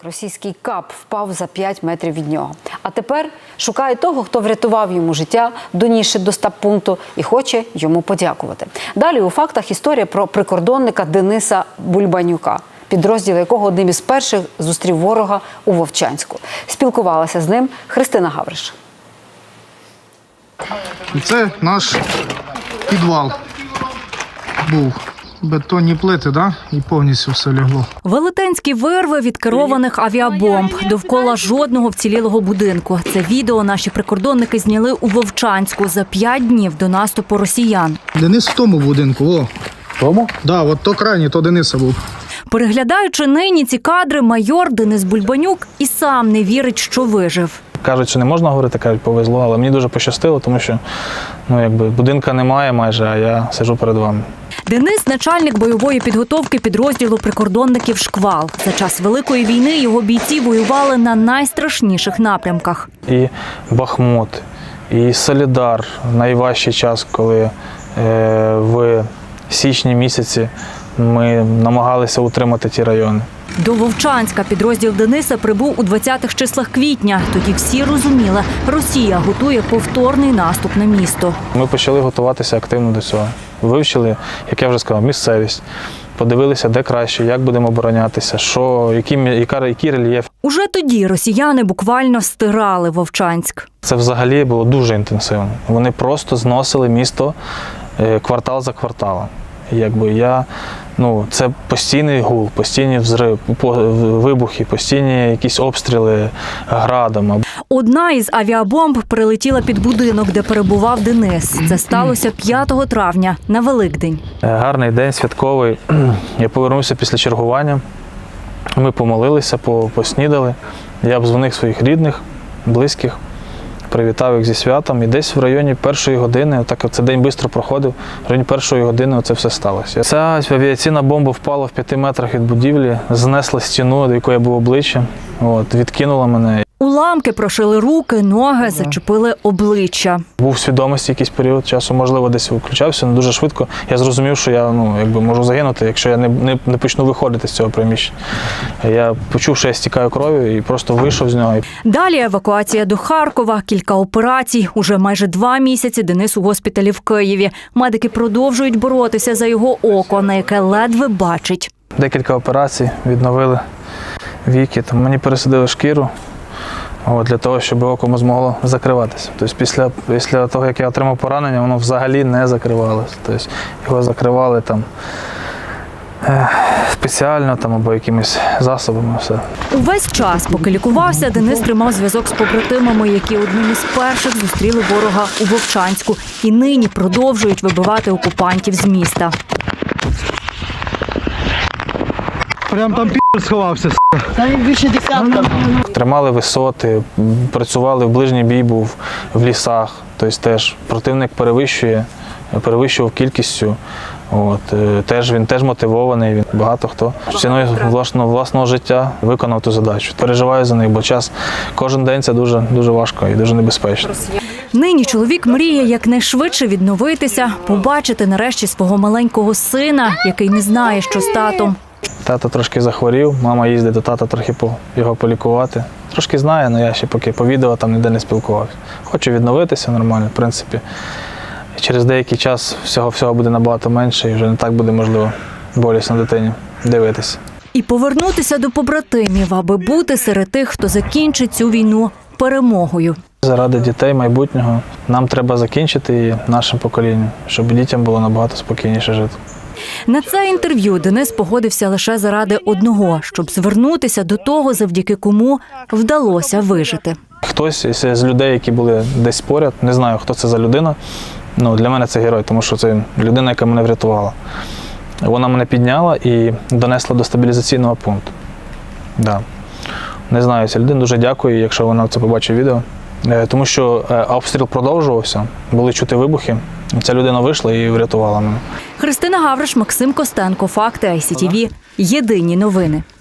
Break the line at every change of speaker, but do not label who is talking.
Російський КАП впав за 5 метрів від нього. А тепер шукає того, хто врятував йому життя, донісши до стаб-пункту, і хоче йому подякувати. Далі у фактах історія про прикордонника Дениса Бульбанюка, підрозділ якого одним із перших зустрів ворога у Вовчанську. Спілкувалася з ним Христина Гавриш.
Це наш підвал був. Бетонні плити, да? І повністю все лягло.
Велетенські вирви від керованих авіабомб. Довкола жодного вцілілого будинку. Це відео наші прикордонники зняли у Вовчанську за 5 днів до наступу росіян.
Денис в тому будинку, о.
В тому?
Да, от то крайній, то Дениса був.
Переглядаючи нині ці кадри, майор Денис Бульбанюк і сам не вірить, що вижив.
Кажуть, що не можна говорити, кажуть, повезло, але мені дуже пощастило, тому що будинка немає майже, а я сиджу перед вами.
Денис – начальник бойової підготовки підрозділу прикордонників «Шквал». За час Великої війни його бійці воювали на найстрашніших напрямках.
І Бахмут, і Солідар – найважчий час, коли в січні місяці ми намагалися утримати ті райони.
До Вовчанська підрозділ Дениса прибув у 20-х числах квітня. Тоді всі розуміли – Росія готує повторний наступ на місто.
Ми почали готуватися активно до цього. Вивчили, як я вже сказав, місцевість. Подивилися, де краще, як будемо оборонятися, який рельєф.
Уже тоді росіяни буквально стирали Вовчанськ.
Це взагалі було дуже інтенсивно. Вони просто зносили місто квартал за кварталом. Це постійний гул, постійні вибухи, постійні якісь обстріли градом.
Одна із авіабомб прилетіла під будинок, де перебував Денис. Це сталося 5 травня, на Великдень.
Гарний день, святковий. Я повернувся після чергування. Ми помолилися, поснідали. Я обдзвонив своїх рідних, близьких, привітав їх зі святом. І десь в районі 1-ї години, цей день швидко проходив, в районі 1-ї години це все сталося. Ця авіаційна бомба впала в 5 метрах від будівлі, знесла стіну, до якої я був обличчя, відкинула мене.
Уламки прошили руки, ноги, зачепили обличчя.
Був в свідомості якийсь період часу, можливо, десь включався, але дуже швидко. Я зрозумів, що я можу загинути, якщо я не почну виходити з цього приміщення. Я почув, що я стікаю кров'ю і просто вийшов з нього.
Далі евакуація до Харкова, кілька операцій. Уже майже 2 місяці Денис у госпіталі в Києві. Медики продовжують боротися за його око, на яке ледве бачить.
Декілька операцій, відновили віки, мені пересадили шкіру. Для того, щоб око змогло закриватися. Тобто після того, як я отримав поранення, воно взагалі не закривалося. Тобто його закривали спеціально або якимись засобами. Все.
Увесь час, поки лікувався, Денис тримав зв'язок з побратимами, які одним із перших зустріли ворога у Вовчанську. І нині продовжують вибивати окупантів з міста.
Прям там сховався.
Там більше десятка.
Тримали висоти, працювали, в ближній бій був в лісах. Тобто теж противник перевищував кількістю. Він теж мотивований. Багато хто ціною власного життя виконав ту задачу. Переживаю за них, бо кожен день це дуже, дуже важко і дуже небезпечно.
Нині чоловік мріє якнайшвидше відновитися, побачити нарешті свого маленького сина, який не знає, що з татом.
Тато трошки захворів, мама їздить до тата трохи його полікувати. Трошки знає, але я ще поки по відео ніде не спілкувався. Хочу відновитися нормально, в принципі. Через деякий час всього буде набагато менше і вже не так буде, можливо, болісно дитині дивитися.
І повернутися до побратимів, аби бути серед тих, хто закінчить цю війну перемогою.
Заради дітей майбутнього нам треба закінчити її нашим поколінням, щоб дітям було набагато спокійніше жити.
На це інтерв'ю Денис погодився лише заради одного – щоб звернутися до того, завдяки кому вдалося вижити.
Хтось з людей, які були десь поряд, не знаю, хто це за людина, для мене це герой, тому що це людина, яка мене врятувала. Вона мене підняла і донесла до стабілізаційного пункту. Да. Не знаю, ця людина, дуже дякую, якщо вона це побачить відео. Тому що обстріл продовжувався, були чути вибухи. Ця людина вийшла і врятувала мене.
Христина Гавриш, Максим Костенко. Факти ICTV. Єдині новини.